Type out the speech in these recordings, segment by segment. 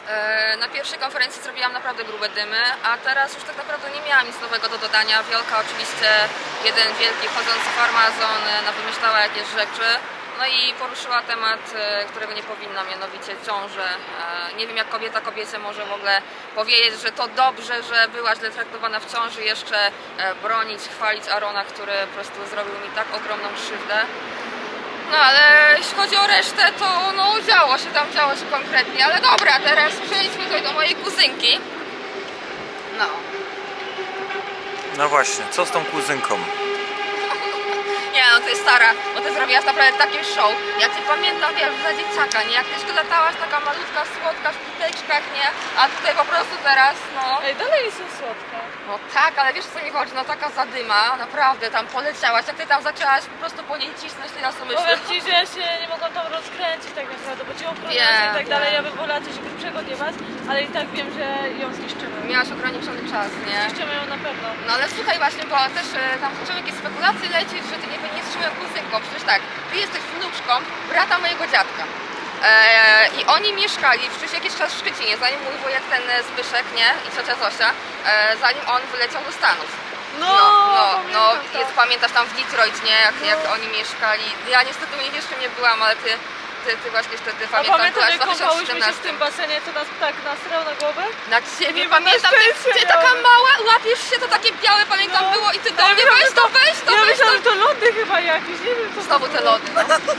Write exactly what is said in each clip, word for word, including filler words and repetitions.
E, Na pierwszej konferencji zrobiłam naprawdę grube dymy, a teraz już tak naprawdę nie miałam nic nowego do dodania. Wiolka oczywiście, jeden wielki chodzący farmazon, e, wymyślała jakieś rzeczy. No i poruszyła temat, e, którego nie powinna, mianowicie ciążę. E, Nie wiem, jak kobieta kobiecie może w ogóle powiedzieć, że to dobrze, że była źle traktowana w ciąży, jeszcze e, bronić, chwalić Arona, który po prostu zrobił mi tak ogromną krzywdę. No ale jeśli chodzi o resztę, to no działo się tam, działo się konkretnie, ale dobra, teraz przejdźmy tutaj do mojej kuzynki. No. No właśnie, co z tą kuzynką? Nie no, to jest stara, bo ty zrobiłaś naprawdę takie show. Ja cię pamiętam, wiesz, za dzieciaka, nie? Jak ty latałaś taka malutka, słodka w kiteczkach, nie? A tutaj po prostu teraz, no... Ej, dalej są słodka. No tak, ale wiesz co mi chodzi, no taka zadyma, naprawdę tam poleciałaś, jak ty tam zaczęłaś po prostu po niej cisnąć, to ja sobie myślę... Powiem ci, że ja się nie mogłam tam rozkręcić tak naprawdę, bo ci ochroniarze Wiem, i tak dalej, wiem. ja bym wolała coś grubszego odjebać, ale i tak wiem, że ją zniszczymy. Miałaś ograniczony czas, nie? Zniszczymy ją na pewno. No ale słuchaj właśnie, bo też e, tam zaczęły jakieś spekulacje lecieć, że ty nie, nie jesteś moją kuzynką. Przecież tak, ty jesteś wnuczką brata mojego dziadka. E, I oni mieszkali przecież jakiś czas w Szczecinie, zanim mój wujek ten e, Zbyszek, nie? I ciocia Zosia, e, zanim on wyleciał do Stanów. No, no, no, no pamiętam to. jest, pamiętasz tam w Detroit, nie? Jak, jak oni mieszkali. Ja niestety u nich jeszcze nie byłam, ale ty, ty, ty właśnie wtedy A pamiętam, pamiętam, byłaś jak w kąpałyśmy się w dwa tysiące tym basenie, co nas tak nasrał na głowę? Na ciebie, Nie, pamiętam, na ty, szczęście ty taka miałem. mała, łapiesz się, to takie białe, pamiętam No. było i ty do Ja mnie myślałam, weź że to, weź to, Ja weź to. myślałam, że to lody chyba jakieś, nie wiem co to Znowu te było. lody, no.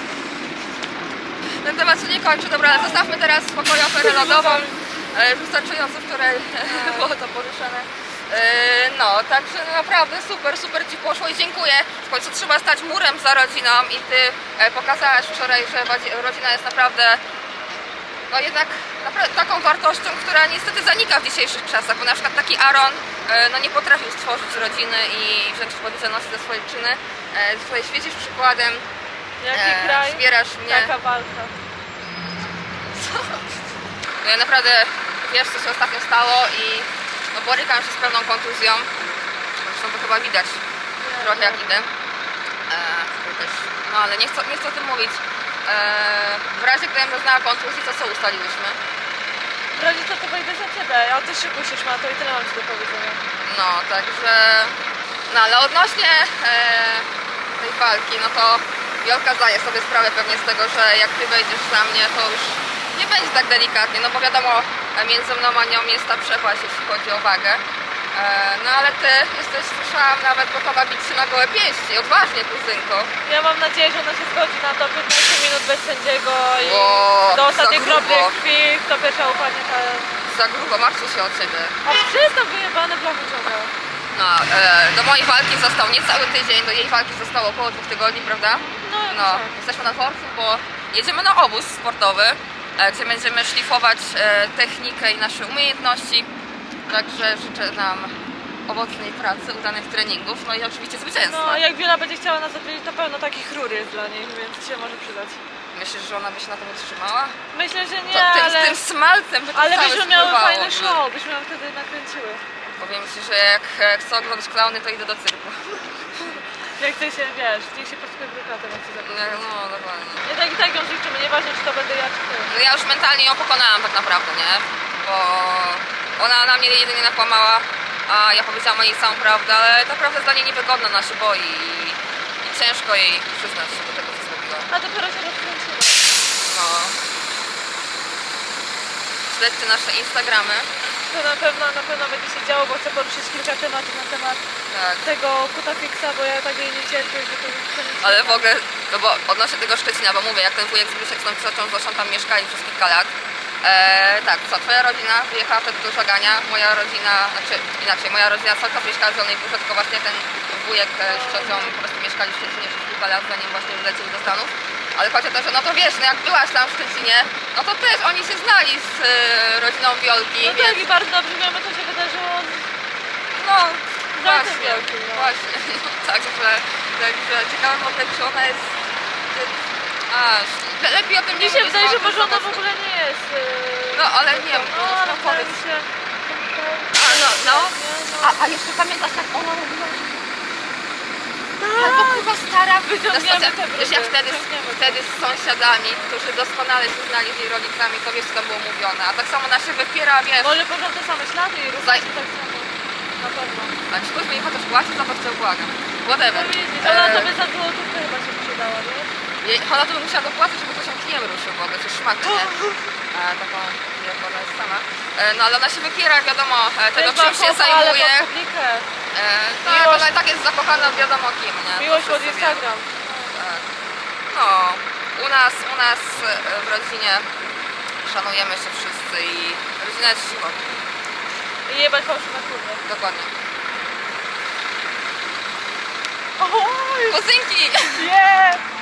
Ten temat się nie kończy, dobra, ale zostawmy teraz w spokoju aferę lodową, e, wystarczająco wczoraj było to poruszone. E, No, także naprawdę super, super Ci poszło i dziękuję. W końcu trzeba stać murem za rodziną i Ty e, pokazałaś wczoraj, że wadzi- rodzina jest naprawdę, no jednak naprawdę taką wartością, która niestety zanika w dzisiejszych czasach, bo na przykład taki Aaron e, no nie potrafił stworzyć rodziny i wziąć odpowiedzialności za swoje czyny. E, Tutaj świecisz przykładem, Jaki e, kraj, wspierasz mnie. taka walka. No ja naprawdę, wiesz co się ostatnio stało i no, borykam się z pewną kontuzją. Zresztą to chyba widać trochę jak idę. E, też, no ale nie chcę, nie chcę o tym mówić. E, w razie gdybym doznała kontuzji, to co ustaliłyśmy? W razie co to wejdę za ciebie, a ty szybko się szma, to i tyle mam ci do powiedzenia. No, także... No ale odnośnie e, tej walki, no to Wiolka zdaje sobie sprawę pewnie z tego, że jak ty wejdziesz za mnie, to już nie będzie tak delikatnie, no bo wiadomo, między mną a nią jest ta przepaść, jeśli chodzi o wagę. E, no ale ty jesteś, słyszałam, nawet gotowa bić się na gołe pięści, odważnie, kuzynko. Ja mam nadzieję, że ona się zgodzi na to piętnaście minut bez sędziego i O, do ostatniej za kropli grubo. krwi, kto pierwsza upadnie, ta... Za grubo, martwię się o ciebie. A przestań wyjebane blachy ciągle. No, e, do mojej walki został niecały tydzień, do jej walki zostało około dwóch tygodni, prawda? No, No, tak. jesteśmy na dworcu, bo jedziemy na obóz sportowy, e, gdzie będziemy szlifować e, technikę i nasze umiejętności. Także życzę nam owocnej pracy, udanych treningów, no i oczywiście zwycięstwa. No, jak Wiola będzie chciała nas odwiedzić, to pełno takich rur jest dla niej, więc się może przydać. Myślisz, że ona by się na tym utrzymała? Myślę, że nie, To, tym, ale... z tym smalcem by to Ale całe byśmy miały spływało. fajne show, byśmy ją wtedy nakręciły. Powiem Ci, że jak e, chcę oglądać klauny, to idę do cyrku. Jak ty się, wiesz, niech się pod biurokratem jak się zakończy. Nie, no, dokładnie. Nie tak i tak ją zliczymy, nieważne czy to będę ja czy ty. No ja już mentalnie ją pokonałam tak naprawdę, nie? Bo ona na mnie jedynie nakłamała, a ja powiedziałam o niej całą prawdę, ale ta prawda jest dla niej niewygodna, ona się boi i, i ciężko jej przyznać się do tego, co zrobiła. A dopiero się rozkręciła. No. Śledźcie nasze Instagramy. To na pewno, na pewno będzie się działo, bo chcę poruszyć kilka tematów na temat Tak. tego kutafixa, bo ja tak jej nie cierpię, że to to nie Ale w ogóle, no bo odnośnie tego Szczecina, bo mówię, jak ten wujek Zbyszek z tą ciocią Zosią tam mieszkali przez kilka lat. E, tak, co, twoja rodzina wyjechała wtedy do Żagania, moja rodzina, znaczy inaczej, moja rodzina cały czas mieszkała w Zielonej Górze, tylko właśnie ten wujek e, z ciocią po prostu mieszkali w Szczecinie przez kilka lat, zanim właśnie wylecieli do Stanów. Ale chodzi o to, że no to wiesz, no jak byłaś tam w Szczecinie, no to też oni się znali z e, rodziną Wiolki, No więc tak i bardzo dobrze wiemy, co się wydarzyło. no Za tym właśnie, Wiolki, no. właśnie, no, także, także ciekawe w ogóle, czy ona jest, a, lepiej o tym nie Mi się mówić, wydaje, bo że o tym porządek w po prostu- ogóle nie jest. Yy... No ale nie wiem, No, no, ale no powiedz. powiedz się. A, no, no. Nie, no. A, a jeszcze pamiętasz, jak ona mówiła, że... Albo kurwa stara Wyciągniemy na te stacja- brudy, Wiesz, ja wtedy, wyciągniemy to. wtedy z sąsiadami, którzy doskonale się znali z jej rodzicami, to wiesz co tam było mówione. A tak samo ona się wypiera, wiesz, Może poszłam te same ślady i również Zaj- tak samo. Na pewno. a ci ktoś mi chociaż płaci, za to chciał błagam. Whatever. No widzisz, ona E, tobie za złotówkę chyba się sprzedała, nie? jej- Ona to by musiała dopłacić, żeby ktoś ją kijem ruszył w ogóle, czy szmakę, nie? E, taką, nie, bo ona jest sama. E, no ale ona się wypiera, wiadomo, e, tego Też czym się ma kocha, ale zajmuje. pod publikę. E, tak, Miłość- ona i tak jest zakochana w wiadomo kim, nie? To Miłość pod wszyscy Instagram. wiedzą. Tak. No, u nas, u nas e, w rodzinie szanujemy się wszyscy i rodzina jest siłą. I jebać fałszywe kurwy. Dokładnie. Oj! Kuzynki! Nie!